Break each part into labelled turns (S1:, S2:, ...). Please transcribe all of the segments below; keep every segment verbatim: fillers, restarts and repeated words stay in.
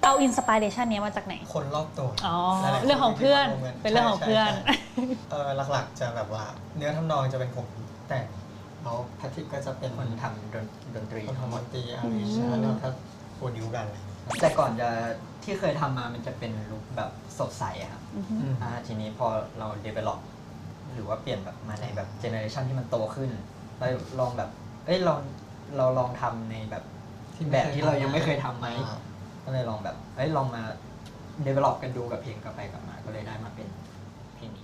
S1: เอาอินสปิเรชันนี้มาจากไหน
S2: คนรอบตัว
S1: อ๋อเรื่องของเพื่อนเป็นเรื่องของเพื่อน
S2: เออหลักๆจะแบบว่าเนื้อทำนองจะเป็นผมแต่งแล้วแพทริกก็จะเป็น
S3: คนทำดนตรี
S2: คนทำดนตรีอาริชแล้วก็โปรดิวกันเลย
S3: แต่ก่อนจะที่เคยทำมามันจะเป็นลุคแบบสดใสครับอ่าทีนี้พอเรา develop หรือว่าเปลี่ยนแบบมาในแบบเจเนอเรชันที่มันโตขึ้นเราลองแบบเอ้ยลองเราลองทำในแบบแบบที่เรายังไม่เคยทำไหมก็เลยลองแบบเอ้ยลองมา develop กันดูกับเพลงกลับไปกลับมาก็เลยได้มาเป็นเพลงนี้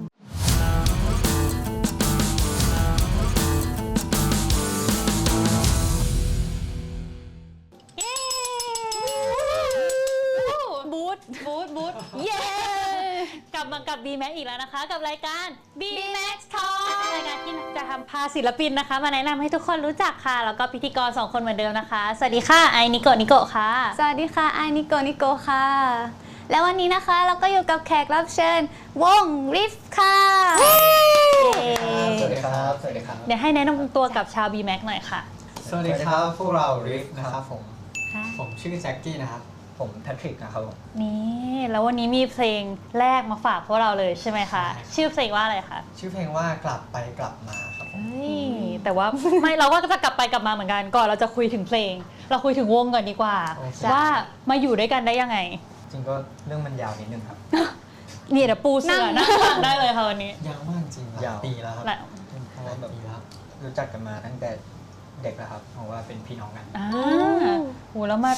S1: บูทบูทบูทเย้กลับมากับ บี แม็ก อีกแล้วนะคะกับรายการ บี แม็ก Talk รายการที่จะทำพาศิลปินนะคะมาแนะนำให้ทุกคนรู้จักค่ะแล้วก็พิธีกรสองคนเหมือนเดิมนะคะสวัสดีค่ะไอนิโกะนิโกะค่ะ
S4: สวัสดีค่ะไอนิโกะนิโกะค่ะแล้ววันนี้นะคะเราก็อยู่กับแขกรับเชิญวงริฟค่ะ
S3: สวัสดีครับสวัสดีครับ
S1: เดี๋ยวให้แนะนำตัวกับชาว บี แม็ก หน่อยค่ะ
S2: สวัสดีครับพวกเราริฟนะครับผมผมชื่อแจ็คกี้นะครับ
S3: ผมแพทริกนะครับผม
S1: นี่แล้ววันนี้มีเพลงแรกมาฝากพวกเราเลยใช่ไหมคะชื่อเพลงว่าอะไรคะ
S2: ชื่อเพลงว่ากลับไปกลับมาครับผม
S1: แต่ว่าไม่เราก็จะกลับไปกลับมาเหมือนกันก่อนเราจะคุยถึงเพลงเราคุยถึงวงก่อนดีกว่าว่ามาอยู่ด้วยกันได้ยังไง
S3: จริงก็เรื่องมันยาวนิดนึงครับ
S1: นี่เดี๋ยวปูเสือนั่งฟังได้เลยค่ะวันนี้
S2: ยาวมากจริงยาวปีแล้วครับ
S3: เพราะว่าแบบรู้จักกันมาตั้งแต่เด็กแล้วครับเพราะว่าเป็นพี่น้องกัน
S1: อ่าโหแล้วมา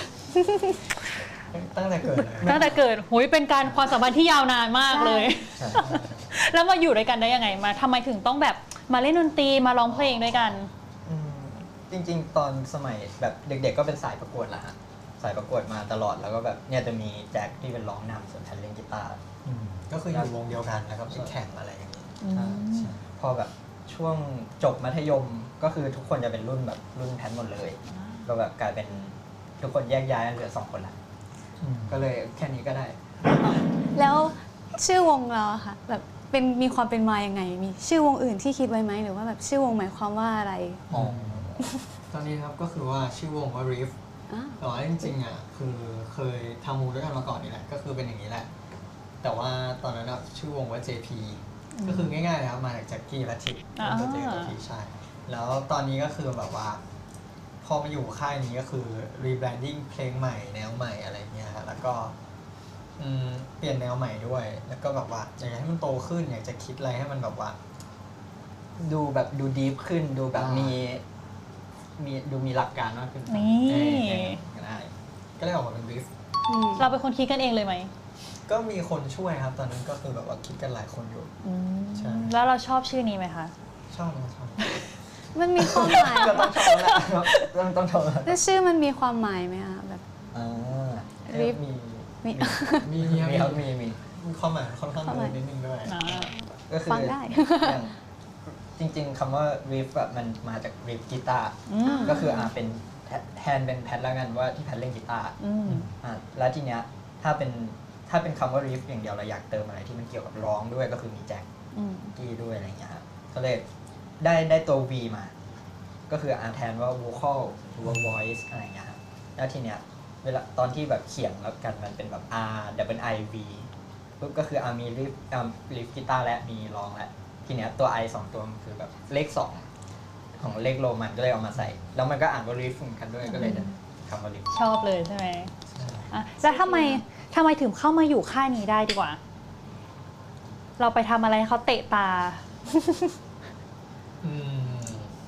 S2: ตั้งแต่เกิดเลย
S1: ตั้งแต่เกิดหุยเป็นการความสัมพันธ์ที่ยาวนานมากเลยแล้วมาอยู่ด้วยกันได้ยังไงมาทำไมถึงต้องแบบมาเล่นดนตรีมาร้องเพลงด้วยกัน
S3: จริงๆตอนสมัยแบบเด็กๆก็เป็นสายประกวดแหละฮะสายประกวดมาตลอดแล้วก็แบบเนี่ยจะมีแจ็คที่เป็นร้องนำส่วนแพทเล่นกีตาร์
S2: ก็คืออยู่วงเดียวกันแล้วก็ไปแข่งอะไรอย่างนี้
S3: พอแบบช่วงจบมัธยมก็คือทุกคนจะเป็นรุ่นแบบรุ่นแพทหมดเลยก็แบบกลายเป็นทุกคนแยกย้ายเหลือสองคนละก็เลยแค่นี้ก็ได้
S4: แล้วชื่อวงเราค่ะแบบเป็นมีความเป็นมายังไงมีชื่อวงอื่นที่คิดไว้ไหมหรือว่าแบบชื่อวงหมายความว่าอะไร
S2: อ๋อตอนนี้ครับก็คือว่าชื่อวงว่า Riff แต่ว่าจริงๆอ่ะคือเคยทำวงด้วยกันมาก่อนนี่แหละก็คือเป็นอย่างนี้แหละแต่ว่าตอนนั้นชื่อวงว่า เจ พี ก็คือง่ายๆนะครับมาจากแจ็คกี้และทิปตัวเจกับทีใช่แล้วตอนนี้ก็คือแบบว่าพอมาอยู่ค่ายนี้ก็คือ rebranding เพลงใหม่แนวใหม่อะไรเงี้ยแล้วก็เปลี่ยนแนวใหม่ด้วยแล้วก็แบบว่าอยากให้มันโตขึ้นอยากจะคิดอะไรให้มันแบบว่า
S3: ดูแบบดูดีฟขึ้นดูแบบมีมีดูมีหลักการมากขึ้น
S1: นี่
S3: ก็ได้
S2: ก็เลยออกมาเป็นริฟ
S1: เราเป็นคนคิดกันเองเลยไหม
S2: ก็มีคนช่วยครับตอนนั้นก็คือแบบว่าคิดกันหลายคนอยู่
S1: ใช่แล้วเราชอบชื่อนี้ไหมคะ
S2: ชอบนะชอบ
S4: มันมีความหมาย
S3: ก็ต้องชอบแล้วต้องต้องชอบ
S4: แล้วชื่อมันมีความหมายไหมคะแบบ
S3: ริฟมี
S2: มีมี
S3: มีครับมีมี
S2: มีความหมายค่อนข้างเยอะนิดนึงด้วย
S3: ก็คือจริงๆคำว่าริฟแบบมันมาจากริฟกีตาร์ก็คืออ่าเป็นแทนเป็นแพทแล้วกันว่าที่แพทเล่นกีตาร์อ่าแล้วทีเนี้ยถ้าเป็นถ้าเป็นคำว่าริฟอย่างเดียวเราอยากเติมอะไรที่มันเกี่ยวกับร้องด้วยก็คือมีแจ็คกี้ด้วยอะไรเงี้ยครับก็เลยได้ได้ตัว V มาก็คืออ่าแทนว่า vocal หรือว่า voice อะไรเงี้ยครับแล้วทีเนี้ยเวลาตอนที่แบบเขียนแล้วกันมันเป็นแบบ R double I V ปุ๊บก็คืออ่ามีริฟอ่าริฟกีตาร์และมีร้องและทีเนี้ยตัว I สองตัวมันคือแบบเลขสองของเลขโรมันก็เลยเอามาใส่แล้วมันก็อ่านว่าริฟเหมือนกันด้วยก็เลยได้คำว่าริฟ
S1: ชอบเลยใช่ไหมอ่ะแล้วทำไมทำไมถึงเข้ามาอยู่ค่ายนี้ได้ดีกว่าเราไปทำอะไรเขาเตะตา
S2: อืม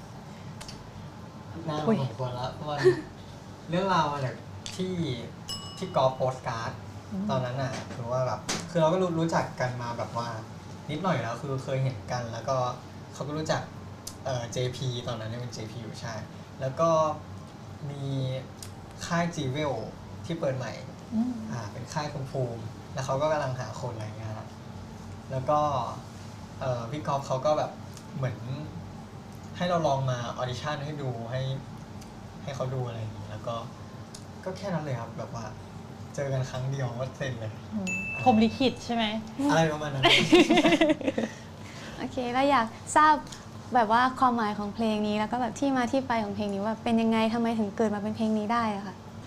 S2: น่าสมควรแล้ววันเรื่องราวมาจากที่ที่กอล์ฟโปสการ์ดตอนนั้นน่ะคือว่าแบบคือเราก็รู้รู้จักกันมาแบบว่านิดหน่อยแล้วคือเคยเห็นกันแล้วก็เขาก็รู้จักเอ่อ เจ พี ตอนนั้นยังเป็น เจ พี อยู่ใช่แล้วก็มีค่าย จี เวล ที่เปิดใหม่อ่าเป็นค่ายคุณภูมิแล้วเขาก็กำลังหาคนอะไรเงี้ยครับแล้วก็เอ่อพี่กอล์ฟเขาก็แบบเหมือนให้เราลองมาออดิชั่นให้ดูให้ให้เขาดูอะไรอย่างนี้แล้วก็ก็แค่นั้นเลยครับแบบว่าเจอกันครั้งเดียวก็เซ็นเลย
S1: พรหมลิขิตใช่ไหม
S2: อะไรประมาณนั้น
S4: โอเคแล้วอยากทราบแบบว่าความหมายของเพลงนี้แล้วก็แบบที่มาที่ไปของเพลงนี้ว่าเป็นยังไงทำไมถึงเกิดมาเป็นเพลงนี้ได้อะค่ะ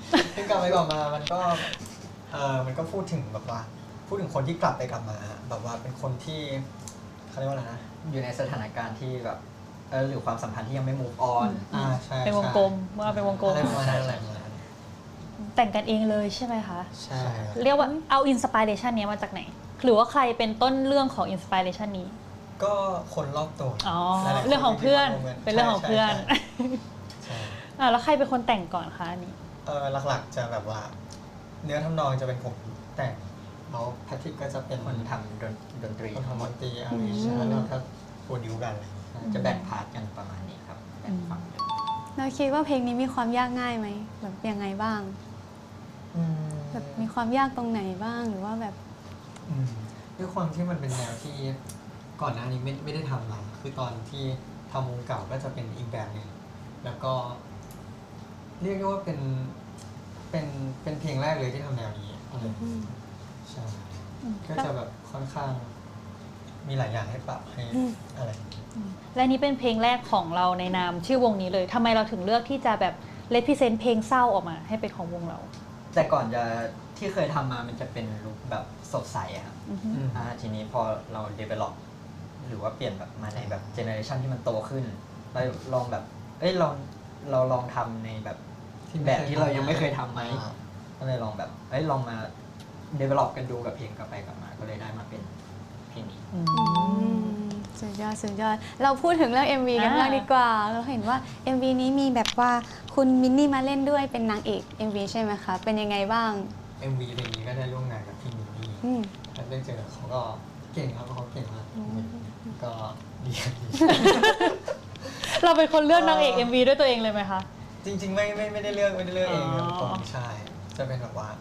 S2: ซึ่งกลับไปกลับมามันก็เออมันก็พูดถึงแบบว่าพูดถึงคนที่กลับไปกลับมาแบบว่าเป็นคนที่เขาเรียกว่าอะไรนะ
S3: อยู่ในสถานการณ์ที่แบบเออหรือความสัมพันธ์ที่ยังไม่ move on
S2: อ่าใช่
S1: เป็นวงกลมเมื่อเป็นวงกลม
S2: อะไรประมาณนั้นอะไรประมาณนั้น
S1: แต่งกันเองเลยใช่ไหมคะ
S2: ใช่
S1: เรียกว่าเอาอินสปิเรชันนี้มาจากไหน หรือว่าใครเป็นต้นเรื่องของอินสปิเรชันนี้
S2: ก็คนรอบตัว
S1: อ๋อ
S2: หลายๆคน
S1: เรื่องของเพื่อน
S2: ที่มาร่วมกั
S1: เป็นเรื่องของเพื่อน
S2: ใช่ใช่
S1: อ่ะแล้วใครเป็นคนแต่งก่อนคะอันนี้
S2: เออหลักๆจะแบบว่า เนื้อทำนองจะเป็นผมแต่งแล้วแพทริกก็จะเป็น
S3: คนทำดนดนตรี
S2: คน
S3: ทั้ง
S2: ทำ
S3: ห
S2: ด
S3: มด
S2: นตรีอาริชแล้วเราก็โปรดิวกันอะไรอย่างเงี้ย
S3: จะแบ่งพาร์ทกันประมาณนี้ครับแบ่งฝั่งกัน
S4: เราคิดว่าเพลงนี้มีความยากง่ายไหมแบบยังไงบ้าง
S2: อืม
S4: แบบมีความยากตรงไหนบ้างหรือว่าแบบ
S2: อืมด้วยความที่มันเป็นแนวที่ก่อนหน้านี้ไม่ไม่ได้ทำมาคือตอนที่ทำวงเก่าก็จะเป็นอีกแบบหนึ่งแล้วก็ เรียกได้ว่าเป็นเป็นเป็นเพลงแรกเลยที่ทำแนวนี้อะไรใช่ก็จะแบบค่อนข้าง มีหลายอย่างให้ปรับให้อะไร
S1: และนี่เป็นเพลงแรกของเราในนามชื่อวงนี้เลยทำไมเราถึงเลือกที่จะแบบเลพิเซนต์เพลงเศร้าออกมาให้เป็นของวงเรา
S3: แต่ก่อนจะที่เคยทำมามันจะเป็นลุคแบบสดใสอะครับ
S1: อือฮึ
S2: อืม
S3: อ่าทีนี้พอเรา develop หรือว่าเปลี่ยนแบบมาในแบบเจเนอเรชันที่มันโตขึ้นเราลองแบบเอ้ยลองเราลองทำในแบบแบบที่เรายังไม่เคยทำไหม
S2: อ่า
S3: ก็เลยลองแบบเอ้ยลองมา develop กันดูกับเพลงกลับไปกลับมา ก็เลยได้มาเป็นเพลงนี้
S1: อืม
S4: อืมสุดยอดสุดยอดเราพูดถึงเรื่อง เอ็ม วี กัน
S1: อ่า
S4: บ้างดีกว่า เราเห็นว่า เอ็ม วี นี้มีแบบว่าคุณมินนี่มาเล่นด้วยเป็นนางเอก เอ็ม วี ใช่ไหมคะ เป็นยังไงบ้าง
S2: เอ็มวีเพลงนี้ก็ได้ร่วมงานกับพี่มินนี่
S4: อืม
S2: แล้วได้เจอเขาก็เก่งครับเขาเก่งมาก
S4: อืม
S2: ก็ดีครับดี
S1: เราเป็นคนเลือกนางเอก เอ็ม วี ด้วยตัวเองเลยไหมคะ
S2: จริง ๆ ไม่ไม่ไม่ได้เลือกไม่ได้เลือกเองครับ
S1: อ๋อ
S2: ผมใช่จะเป็นแบบว่า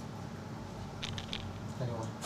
S2: ไม่รู้ว่า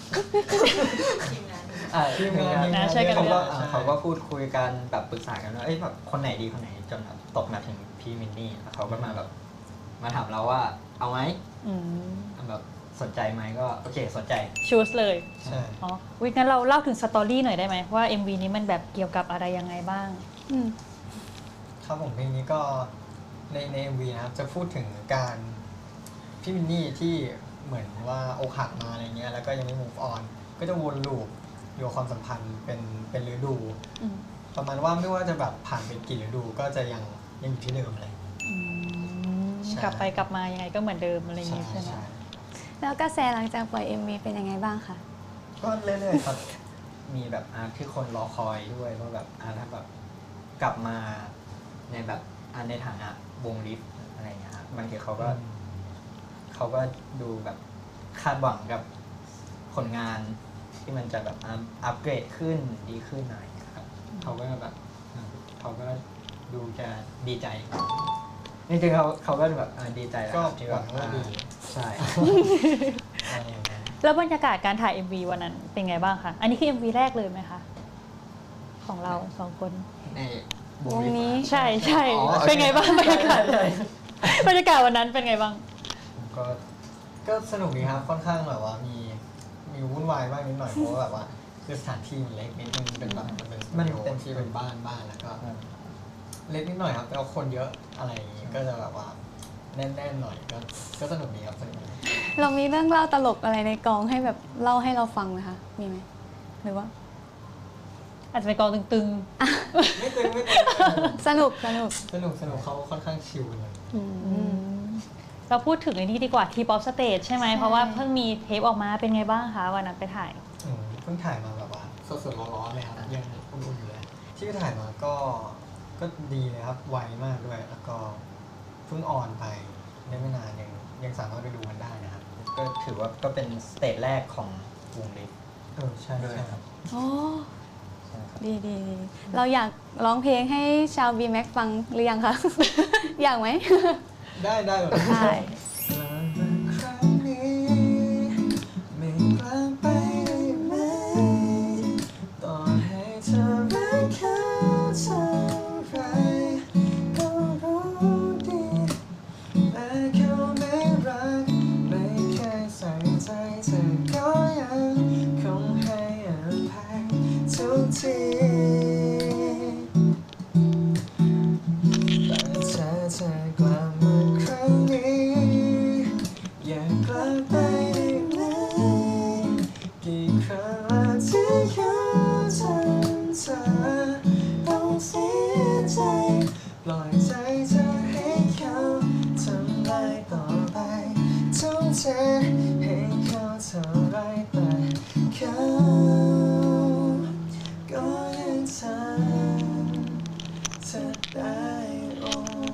S3: อ่า
S2: ทีมงาน
S1: นะช่วยกัน
S3: เขา
S1: เลื
S3: ก็
S1: อก
S3: อ่าเขาก็พูดคุยกันแบบปรึกษากันว่าเอ้ยแบบคนไหนดีคนไหนจนแบบตกมาถึงพี่มินนี่แล้วเขาก็มาแบบมาถามเราว่าเอาไหม
S1: อืม
S3: แบบสนใจไหมก็โอเคสนใจ
S1: ชูสเลย
S2: ใช่
S1: อ๋อวิงั้นเราเล่าถึงสตอรี่หน่อยได้ไหมว่า เอ็ม วี นี้มันแบบเกี่ยวกับอะไรยังไงบ้าง
S4: อืม
S2: ครับผมเพลงนี้ก็ในในเอ็มวีนะครับจะพูดถึงการพี่มินนี่ที่เหมือนว่าอกหักมาอะไรเงี้ยแล้วก็ยังไม่ move on ก็จะวนลูปอยู่กับความสัมพันธ์เป็นเป็นฤดู
S1: อืม
S2: ประมาณว่าไม่ว่าจะแบบผ่านไปกี่ฤดูก็จะยังยังอยู่ที่เดิมอะไรอย่างเงี้ย
S1: อืม
S2: ใช่
S1: กลับไปกลับมายังไงก็เหมือนเดิมอะไรอย่าง
S2: ใช่
S1: งี้ใช่ไหม
S2: ใช่
S4: แล้วกระแสหลังจากปล่อย เอ็ม วี เป็นยังไงบ้างคะ
S2: ก็เรื่อยๆครับ
S3: มีแบบอาที่คนรอคอยด้วยว่าแบบอาถ้าแบบกลับมาในแบบอาในฐานะวงลิฟอะไรเงี้ยครับบางทีเขาก็เขาก็ดูแบบคาดหวังกับผลงานที่มันจะแบบอัพอัปเกรดขึ้นดีขึ้นหน่อยครับเขาก็แบบอ่าเขาก็ดูจะดีใจจริงๆเขาเขาก็แบบอ่าดีใจแหละ
S2: ก็
S3: ครับที่
S2: ห
S3: แบ
S2: วั
S3: บ
S2: งว่า
S3: อ่า
S2: ดี
S3: ใช่
S2: อะไรอย่างเงี้ย
S1: แล้วบรรยากาศการถ่าย เอ็ม วี วันนั้นเป็นไงบ้างคะ อันนี้คือ เอ็ม วี แรกเลยไหมคะ ของเราสองคน
S3: ใน
S4: วงนี้
S1: ใช่ใช่
S3: อ๋อโอเค
S1: เป็นไงบ้างบรรยากาศ
S3: ใช่
S1: บรรยากาศวันนั้นเป็นไงบ้าง
S2: ก็ก็สนุกดีครับค่อนข้างแบบว่ามีมีวุ่นวายบ้างนิดหน่อยเพราะว่าแบบว่าคือสถานที่มันเล็กนิดนึงเป็นแบบมันเป็นสตู
S3: มัน
S2: ดิโอ
S3: เป็น
S2: ที่เป็นบ้านบ้านแล้วก็ เล็กนิดหน่อยครับแต่ว่าคนเยอะอะไรอย่างงี้ก็จะแบบว่าแน่นๆหน่อยก็ก็สนุกดีครับสนุกดี
S4: เรามีเรื่องเล่าตลกอะไรในกองให้แบบเล่าให้เราฟังไหมคะ มีไหม หรือว่า
S1: อาจจะเป็นกองตึง
S2: ไม่ตึงไม่ตึง
S4: สนุกสนุก
S2: สนุกสนุกเขาค่อนข้างชิลเลย
S4: อื
S1: ๆอื
S4: ม
S1: มเราพูดถึงไอ้นี่ดีกว่าทีป๊อปสเตจใช่ไหม
S4: ใช่
S1: เพราะว่าเพิ่งมีเทปออกมาเป็นไงบ้างคะวันนั้นไปถ่าย
S2: อืมเพิ่งถ่ายมาแบบว่าสดๆร้อนๆเลยครับยังอุ่นๆอยู่เลยที่ถ่ายมาก็ก็ดีเลยครับไวมากด้วย แล้วก็เพิ่งออนไปได้ไม่นานยังยังสามารถไปดูมันได้นะครับ
S3: ก็ถือว่าก็เป็นสเตจแรกของวงลิฟ
S2: เออใช่
S3: ด้วย
S2: ใช่
S3: ครับ
S4: โอ้
S3: ใช่ครับ
S4: ดีดีดีเราอยากร้องเพลงให้ชาว บี แม็กซ์ ฟังหรือยังคะ อยากไหม
S2: ได้ได้หมด
S4: ได้
S2: ครั้งนี้ไม่กลับไปได้ไหมต่อให้เธอรักเขาเท่าไรก็รู้ดีและเขาไม่รักไม่เคยใส่ใจเธอก็ยังคงให้อภัยทุกทีแต่ถ้าเธอกลับมาครั้งนี้ปล่อยใจเธอให้เขาทำลายต่อไปทุ่มเทให้เขาเท่าไรแต่เขาก็ยังทำเธอได้โอ้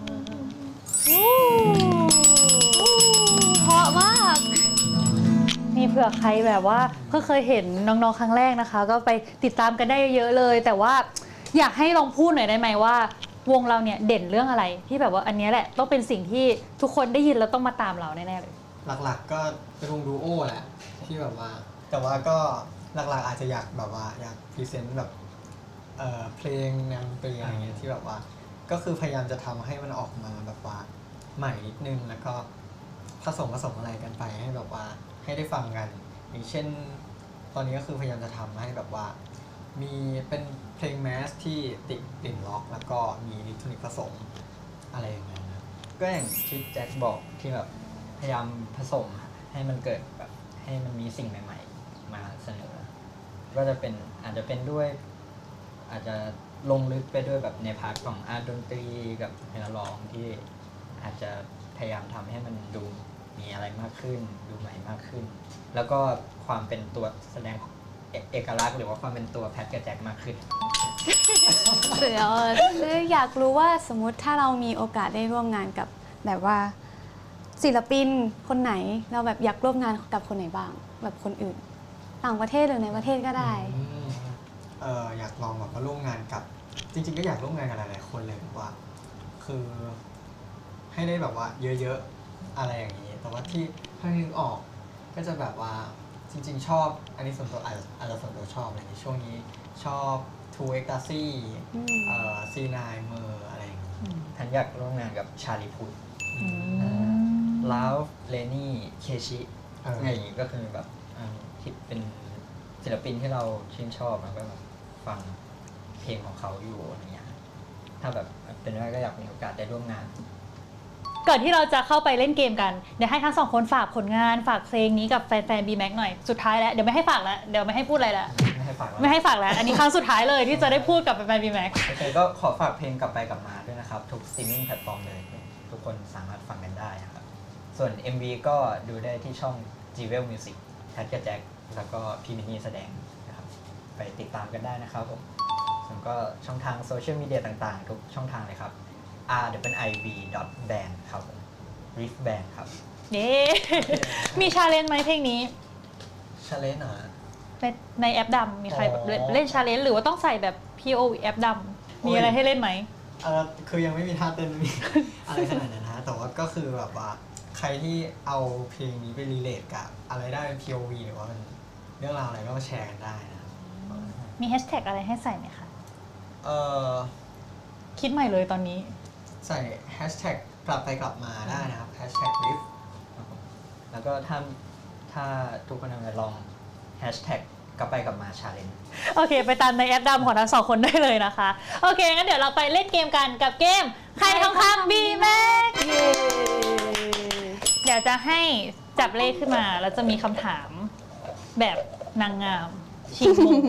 S1: เพราะมากมีเผื่อใครแบบว่าเพิ่งเคยเห็นน้องๆครั้งแรกนะคะ ก็ไปติดตามกันได้เยอะๆเลย แต่ว่าอยากให้ลองพูดหน่อยได้ไหมว่าวงเราเนี่ยเด่นเรื่องอะไรที่แบบว่าอันนี้แหละต้องเป็นสิ่งที่ทุกคนได้ยินแล้วต้องมาตามเราแน่ๆเลย
S2: หลักๆก็เป็นวงดูโอแหละที่แบบว่า แต่ว่าก็หลักๆอาจจะอยากแบบว่าอยากพรีเซนต์แบบเอ่อเพลงแนวดนตรีอะไรเงี้ยที่แบบว่าก็คือพยายามจะทำให้มันออกมาแบบว่าใหม่นิดนึงแล้วก็ผสมผสมอะไรกันไปให้แบบว่าให้ได้ฟังกันอย่างเช่น ตอนนี้ก็คือพยายามจะทำให้แบบว่า มีเป็นเพลงแมสที่ติดกลิ่นล็อก แล้วก็มีอิเล็กทรอนิกส์ผสมอะไรอย่างเงี้ยนะ
S3: ก็อย่างที่แจ็คบอกที่แบบพยายามผสมให้มันเกิดแบบให้มันมีสิ่งใหม่ๆมาเสนอ ก็จะเป็นอาจจะเป็นด้วย อาจจะลงลึกไปด้วยแบบในพาร์ทของอาร์ตดนตรีกับเนื้อร้องที่อาจจะพยายามทำให้มันดูมีอะไรมากขึ้น ดูใหม่มากขึ้น แล้วก็ความเป็นตัวแสดงเอเอกลักษณ์หรือว่าความเป็นตัวแพทกับแจ็คมากขึ้น
S4: เดี๋ยวคืออยากรู้ว่าสมมุติถ้าเรามีโอกาสได้ร่วมงานกับแบบว่าศิลปินคนไหนเราแบบอยากร่วมงานกับคนไหนบ้างแบบคนอื่น ต่างประเทศหรือในประเทศก็ได้
S2: อืมเอออยากลองแบบมาร่วมงานกับ จริง ๆ ก็อยากร่วมงานกับหลายๆคนเลยแบบว่า คือให้ได้แบบว่าเยอะๆอะไรอย่างนี้ แต่ว่าที่ถ้านึกออกก็จะแบบว่าจริง ๆ ชอบอันนี้ส่วนตัวอาจจะอาจจะส่วนตัวชอบอะไรอย่างนี้ช่วงนี้ชอบทูเอ็กตาซี่
S4: อืม
S2: เอ่อซีนายเมอร์อะไรอย่างนี้
S3: ทันอยากร่วมงานกับชาลีพุทธ
S2: อืม
S3: ลาฟเลนี่เคชิ
S2: เอออ
S3: อะไรอย่างงี้ก็คือแบบอ่าที่เป็นศิลปินที่เราชื่นชอบแล้วก็แบบฟังเพลงของเขาอยู่อะไรเงี้ยถ้าแบบเป็นไปได้ก็อยากมีโอกาสได้ร่วมงาน
S1: ก่อนที่เราจะเข้าไปเล่นเกมกันเดี๋ยวให้ทั้งสองคนฝากผลงานฝากเพลงนี้กับแฟนๆ B-Max หน่อยสุดท้ายแล้วเดี๋ยวไม่ให้ฝากแล้วเดี๋ยวไม่ให้พูดอะไรแล้ว
S3: ไม่ให้ฝากแล้ว
S1: ไม่ให้ฝากแล้วอันนี้ครั้งสุดท้ายเลยที่จะได้พูดกับแฟนๆ B-Max
S3: โอเคก็ขอฝากเพลงกลับไปกลับมาด้วยนะครับ ทุกสตรีมมิ่งแพลตฟอร์มเลย ทุกคนสามารถฟังกันได้นะครับ ส่วน เอ็ม วี ก็ดูได้ที่ช่อง จี เวล Music แพทกับแจ็คแล้วก็พี่มินนี่แสดงนะครับ ไปติดตามกันได้นะครับผมส่วนก็ช่องทางโซเชียลมีเดียต่างๆ ทุกช่องทางเลยครับ r w i v dot band ครับผม riff band ครับ
S1: เย้ มีชาเลนจ์ไหมเพลงนี้
S2: ชาเลนจ์เหรอ
S1: ในในแอปดำมีใครแบบเล่น
S2: อ๋อ
S1: เล่นชาเลนจ์หรือว่าต้องใส่แบบ พี โอ วี แอปดำมีอะไรให้เล่นไหม
S2: เออคือยังไม่มีท่าเต้นไม่มี อะไรขนาดนั้นนะแต่ว่าก็คือแบบว่าใครที่เอาเพลงนี้ไปรีเลทกับอะไรได้เป็น พี โอ วี หรือว่ามันเรื่องราวอะไรก็มาแชร์กันได้นะครับ
S1: มีแฮชแท็กอะไรให้ใส่ไหมคะ
S2: เออ
S1: คิดใหม่เลยตอนนี้
S2: ใส่แฮชแท็กกลับไปกลับมาได้นะครับแฮชแท็กลิฟ
S3: ครับผมแล้วก็ถ้าถ้าทุกคนเอาไปลองแฮชแท็กกลับไปกลับมาชาเลนจ์
S1: โอเค ไปตามในแอปดำของทั้งสองคนได้เลยนะคะ โอเค งั้นเดี๋ยวเราไปเล่นเกมกันกับเกมใครทองคำ B-Max
S4: เย้
S1: เดี๋ยวจะให้จับเลขขึ้นมา แล้วจะมีคำถามแบบนางงามชิงมุม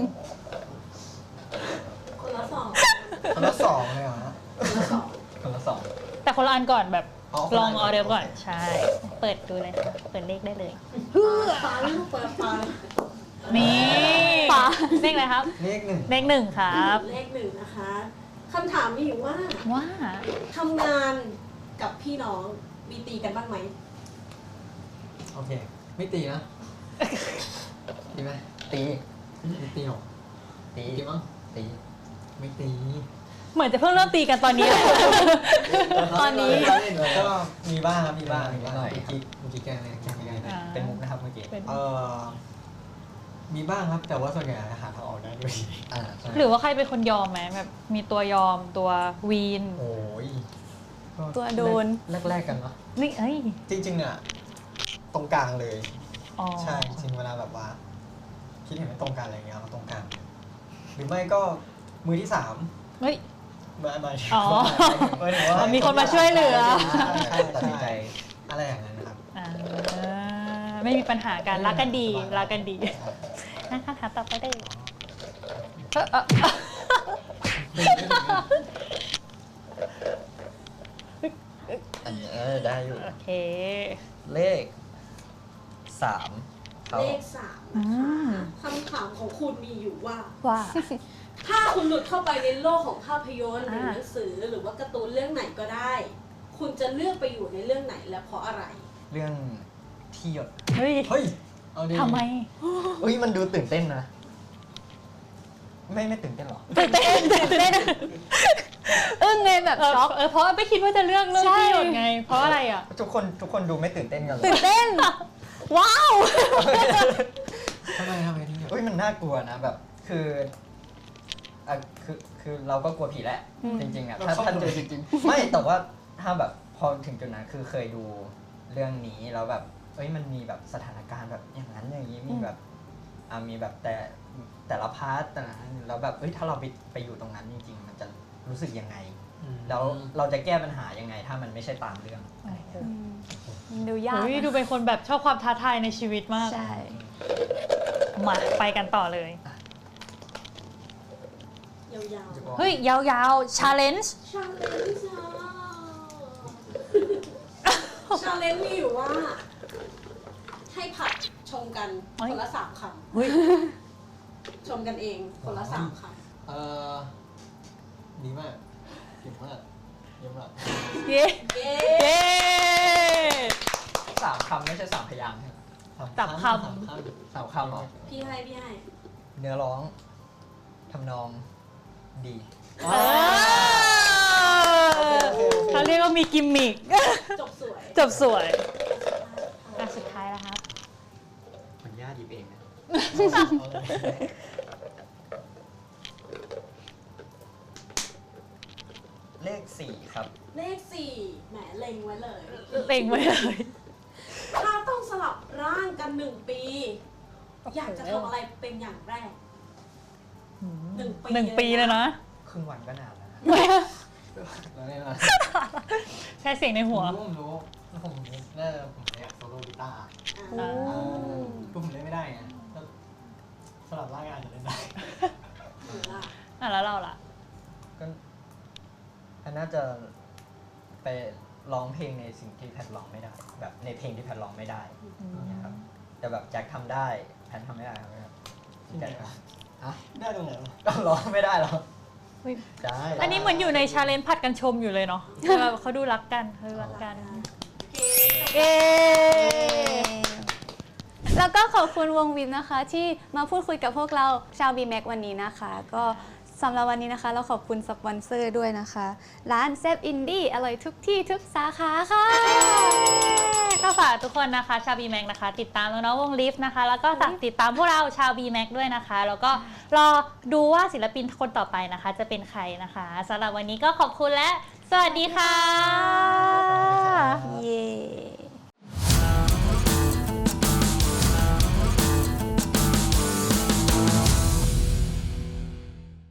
S5: คนละสอง
S2: คนละสองเลยเหรอฮะ
S5: คนละสอง
S3: คนละสอง
S1: แต่คนละอันก่อนแบบ
S2: อ๋อคน
S1: ล
S2: ละ
S1: อ
S2: อั
S1: ง
S2: น
S1: ออเดอร์ก่อน
S2: โอเค
S1: ใช่ เปิดดูเลยค่ะเปิดเลขได้เลย
S5: ฟ้าลูกเปิดฟ้า
S1: นี่
S4: ฟ้า
S1: เลขอะไรครับ
S2: เลขหนึ่ง
S1: เลขหนึ่งครับ
S5: เลขหนึ่งนะคะคำถามมีอยู่ว่า
S1: ว่า
S5: ทำงานกับพี่น้องมีตีกันบ้างไหม
S2: โอเค ไม่ตีนะตีไหม
S3: ตี
S2: ไม่ตีหรอ
S3: ตี
S2: ตีมั้ง
S3: ตี
S2: ไม่ตี
S1: เหมือนจะเพิ่งเริ่มตีกันตอนนี้เลย
S4: ตอนนี้
S2: แล้วก็มีบ้างครับมีบ้างมีบ้าง
S3: หน่อย
S2: เมื่อกี้เมื่อกี้แกล้งเลยแกล้งไม่ได้
S1: อ่า
S3: เป็นมุกนะครับเมื่อกี้
S1: เป็น
S2: เออมีบ้างครับแต่ว่าส่วนใหญ่หาทางออกได้ด้วย
S3: อ่าใช่
S1: หรือว่าใครเป็นคนยอมไหมแบบมีตัวยอมตัววีน
S2: โอ้ยก็
S4: ตัวโดน
S2: แรกๆกันเนาะ
S1: นี่เอ้ย
S2: จริงๆอ่ะตรงกลางเลย
S1: อ๋อ
S2: ใช่จริงๆเวลาแบบว่า คิดเห็นไม่ตรงกันอะไรเงี้ยเอาตรงกลางหรือไม่ก็มือที่สาม
S1: เฮ้ย
S2: มามา
S1: อ๋อ
S2: หมายถึงว่า
S1: มีคนมาช่วยเหลือ
S2: ใช่
S3: ตัดสินใจ
S2: อะไรอย่างนั้นนะครับ
S1: อ่าไม่มีปัญหากันรักกันดี
S2: สบายๆ
S1: รักกันดีนะคะถามต่อไปได้เลยเออเออ
S3: อันนี้เออได้อยู่
S1: โอเค
S3: เลขสามครับ
S5: เลขสามนะคะคำถามของคุณมีอยู่ว่า
S1: ว่า
S5: ถ้าคุณหลุดเข้าไปในโลกของภาพยนตร์หรือ
S1: อ่า
S5: หนังสือหรือว่าการ์ตูนเรื่องไหนก็ได้ คุณจะเลือกไปอยู่ในเรื่องไหนและเพราะอะไร
S3: เรื่องที่หยด
S1: เฮ้ย
S2: เฮ้ย เอาดิ
S1: ทำไม
S3: อุ้ยมันดูตื่นเต้นนะ ไม่ไม่ตื่นเต้นหรอ
S1: ตื่นเต้นตื่นเต้น
S4: อึ้งไงแบบ
S1: เออ
S4: ช็อก
S1: เออเพราะไม่คิดว่าจะเลือกเรื่อง
S4: ใช่
S1: ที่หยดไง เพราะอะไรอ่ะ
S3: ทุกคนทุกคนดูไม่ตื่นเต้นกันเลย
S4: ตื่นเต้น ว้าว
S2: ทำไมทำไมที่
S3: อุ้ยมันน่ากลัวนะแบบคืออ่ะคือคือเราก็กลัวผีแหละ
S4: อืม
S3: จริงๆอ่ะถ้าถ้าเจอจริงๆไม่แต่ว่าถ้าแบบพอถึงจุดนั้นคือเคยดูเรื่องนี้แล้วแบบเอ้ยมันมีแบบสถานการณ์แบบอย่างนั้นอย่างนี้มีแบบอ่ามีแบบแต่แต่ละพาร์ทแต่ละนั้นแล้วแบบเอ้ยถ้าเราไปไปอยู่ตรงนั้นจริง ๆ มันจะรู้สึกยังไง แล้วเราจะแก้ปัญหายังไง ถ้ามันไม่ใช่ตามเรื่องอะไรเงี้ย
S4: อืมมันดูยาก
S1: เฮ้ย
S4: นะ
S1: ดูเป็นคนแบบชอบความท้าทายในชีวิตมาก
S4: ใช่
S1: มาไปกันต่อเลย
S5: ยาวๆ
S1: เฮ้ย ยาวๆ challenge
S5: ชาเลนจ์ชาเลนจ์มีอยู่ว่า ให้ผัดชมกัน
S1: เฮ้ย
S5: คนละสามค
S1: เฮ้ย
S5: ำชมกันเองคนละสามค
S2: เออดีมากเก่งมากเยี่ยมมาก
S1: เย้
S5: ำเย้
S1: เย้
S3: สามคำไม่ใช่สามพยางค์ใช่ไหม
S1: ตับคำ
S2: สามค
S3: สามคำเหรอ
S5: พี่ให้พี่ให้
S3: เนื้อร้องทำนองดี
S2: ำ
S1: เออเขาเรียกว่ามีกิมมิค
S5: จบสวย
S1: จบสวยอ่ะสุดท้ายแล้วครับ
S3: ขออนุญาตหยิบเองนะ
S2: เอาเลย
S3: เลขสี่ครับ
S5: เลขสี่แหมเล็งไว้เลย
S1: เล็งไว้เลย
S5: ถ้าต้องสลับร่างกันหนึ่งปี อยากจะทำอะไรเป็นอย่างแรก หนึ่งปี
S1: หนึ่งปีเลยนะ
S3: ครึ่งวันก็นานแล้วนะ
S2: แล้วเนี่ยนะ
S1: แค่เสียงในหัว
S2: ผมรู้ผมรู้แล้วผมน่าจะผมอยากโซโล่กีตาร์
S5: อ่า
S1: อ่า
S2: คือผมเล่นไม่ได้ไงก็สลับร่างกายอาจจะเล่นได้
S5: หรือล่ะ
S1: อ่ะแล้วเราล่ะ
S3: ก็อันน่าจะไปร้องเพลงในสิ่งที่แพทร้องไม่ได้ แบบในเพลงที่แพทร้องไม่ได้อย่างเงี้ยครับแต่แบบแจ็คทำได้แพททำไม่ได้ครับ
S2: ที่ไหนวะ
S3: อ่ะ
S2: ได้ตรงไหนวะ
S3: ก็ร้องไม่ได้หรอ
S1: เฮ้ย
S3: ได้
S1: อันนี้เหมือนอยู่ในชาเลนจ์ผัดกันชมอยู่เลยเนาะแบบเขาดูรักกันเขาดูรักกัน
S5: โอเค
S1: เย้
S4: แล้วก็ขอบคุณวงวิมนะคะ ที่มาพูดคุยกับพวกเราชาว บี แม็ก วันนี้นะคะ ก็สำหรับวันนี้นะคะ เราขอบคุณสปอนเซอร์ด้วยนะคะ ร้านเซฟอินดี้อร่อยทุกที่ทุกสาขาค่ะ
S1: ก็ฝากทุกคนนะคะชาว บี แม็ก นะคะ ติดตามน้องๆวงลิฟต์นะคะ แล้วก็ฝากติดตามพวกเราชาว บี แม็ก ด้วยนะคะ แล้วก็รอดูว่าศิลปินคนต่อไปนะคะ จะเป็นใครนะคะสำหรับวันนี้ก็ขอบคุณและสวัสดีค่ะ